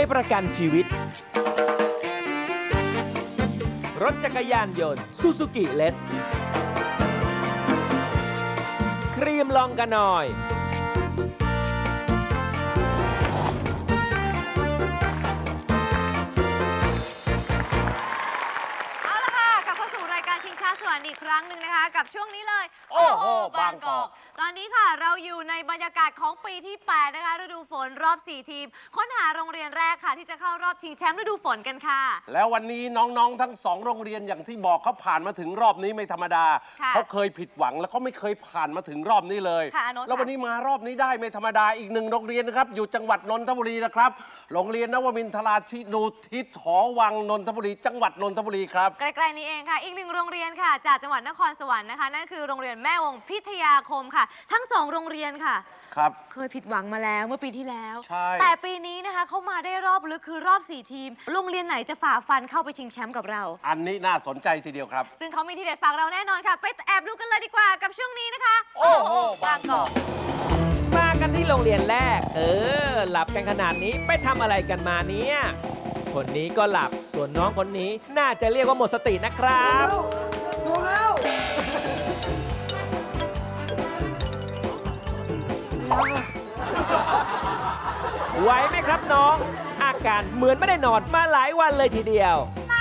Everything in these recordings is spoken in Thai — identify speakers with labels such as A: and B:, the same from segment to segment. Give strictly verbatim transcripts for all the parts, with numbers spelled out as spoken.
A: ยประกันชีวิต รถจักรยานยนต์ซูซูกิเลสครีมลองกันหน่อย
B: ชิงช้าสวรรค์อีกครั้งหนึ่งนะคะกับช่วงนี้เลย
C: โอ้โหบางกอก
B: ตอนนี้ค่ะเราอยู่ในบรรยากาศของปีที่แปดนะคะฤดูฝนรอบสี่ทีมค้นหาโรงเรียนแรกค่ะที่จะเข้ารอบชิงแชมป์ฤดูฝนกันค่ะ
C: แล้ววันนี้น้องๆทั้งสองโรงเรียนอย่างที่บอกเขาผ่านมาถึงรอบนี้ไม่ธรรมดาเขาเคยผิดหวังแล้วเขาไม่เคยผ่านมาถึงรอบนี้เลยแล้ววันนี้มารอบนี้ได้ไม่ธรรมดาอีกหนึ่งโรงเรียนนะครับอยู่จังหวัดนนทบุรีนะครับโรงเรียนนวมินทราชินูทิศหอวังนนทบุรีจังหวัดนนทบุรีครับ
B: ใกล้ๆนี้เองค่ะอีกหนึ่งโรงเรียนค่ะจากจังหวัดนครสวรรค์นะคะนั่นคือโรงเรียนแม่วงพิทยาคมค่ะทั้งสองโรงเรียนค่ะ
C: ครับ
B: เคยผิดหวังมาแล้วเมื่อปีที่แล้ว
C: ใช่
B: แต่ปีนี้นะคะเขามาได้รอบลึกคือรอบสี่ทีมโรงเรียนไหนจะฝ่าฟันเข้าไปชิงแชมป์กับเรา
C: อันนี้น่าสนใจทีเดียวครับ
B: ซึ่งเขามีทีเด็ดฝากเราแน่นอนค่ะไปแอบดูกันเลยดีกว่ากับช่วงนี้นะคะ
C: โอ้โหบางกอก
A: มากันที่โรงเรียนแรกเออหลับกันขนาดนี้ไปทำอะไรกันมาเนี่ยคนนี้ก็หลับส่วนน้องคนนี้น่าจะเรียกว่าหมดสตินะครับ
D: ดูแล้ว
A: ไหวไหมครับน้องอาการเหมือนไม่ได้นอนมาหลายวันเลยทีเดียว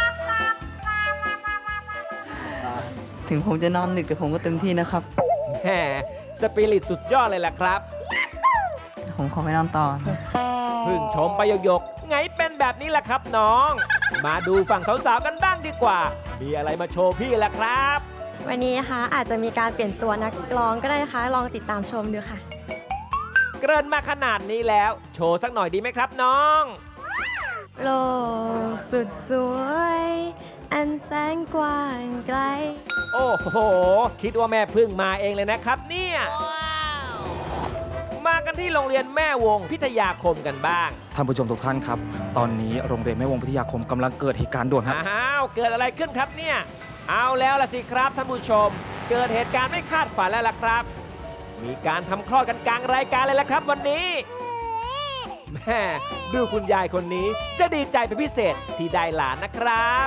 E: ถึงผมจะนอนดึกแต่ผมก็เต็มที่นะครับ
A: แหมสปิริตสุดยอดเลยล่ะครับ
E: ผมขอไปนอนต่อ
A: พึ่งชมไปหยกๆไงเป็นแบบนี้ล่ะครับน้องมาดูฝั่งสาวๆกันบ้างดีกว่ามีอะไรมาโชว์พี่ล่ะครับ
F: วันนี้นะคะอาจจะมีการเปลี่ยนตัวนักร้องก็ได้นะคะลองติดตามชมดูค่ะ
A: เกริ่นมาขนาดนี้แล้วโชว์สักหน่อยดีไหมครับน้อง
F: โลกสุดสวยอันแสนกว้างไกล
A: โอ้โหคิดว่าแม่พึ่งมาเองเลยนะครับเนี่ย wow. มากันที่โรงเรียนแม่วงพิทยาคมกันบ้าง
G: ท่านผู้ชมทุกท่านครับตอนนี้โรงเรียนแม่วงพิทยาคมกำลังเกิดเหตุการณ์ด่วนครับ
A: อ้าวเกิดอะไรขึ้นครับเนี่ยเอาแล้วล่ะสิครับท่านผู้ชมเกิดเหตุการณ์ไม่คาดฝันแล้วล่ะครับมีการทำคลอดกันกลางรายการเลยล่ะครับวันนี้แม่ดูคุณยายคนนี้จะดีใจเป็นพิเศษที่ได้หลานนะครับ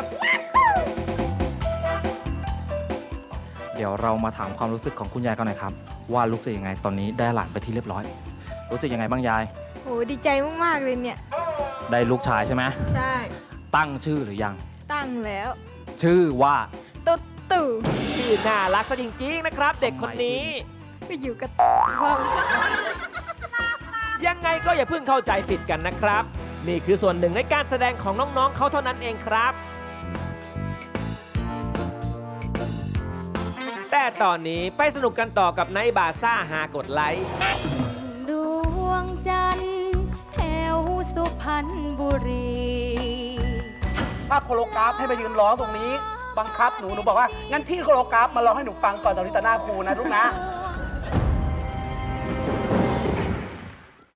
G: เดี๋ยวเรามาถามความรู้สึกของคุณยายกันหน่อยครับว่ารู้สึกยังไงตอนนี้ได้หลานไปที่เรียบร้อยรู้สึกยังไงบ้างยาย
F: โหดีใจมากๆเลยเนี่ย
G: ได้ลูกชายใช่ไหม
F: ใช่
G: ตั้งชื่อหรือยัง
F: ตั้งแล้ว
G: ชื่อว่า
F: ตุ๊ดตู่
A: ชื่อน่ารักซะจริงๆนะครับเด็กคนนี้
F: ไปอยู่กับพ่อ
A: ยังไงก็อย่าเพิ่งเข้าใจผิดกันนะครับนี่คือส่วนหนึ่งในการแสดงของน้องๆเขาเท่านั้นเองครับแต่ตอนนี้ไปสนุกกันต่อกับไนท์บาซ่าหากดไลค์
F: ดวงจันทร์แถวสุพรรณบุรี
D: ถ้าโคโลกราฟให้ไปยืนร้องตรงนี้บังคับหนูหนูบอกว่างั้นพี่โคโลกราฟมาร้องให้หนูฟังก่อนตอนนี้ต่อหน้าครูนะลูกนะ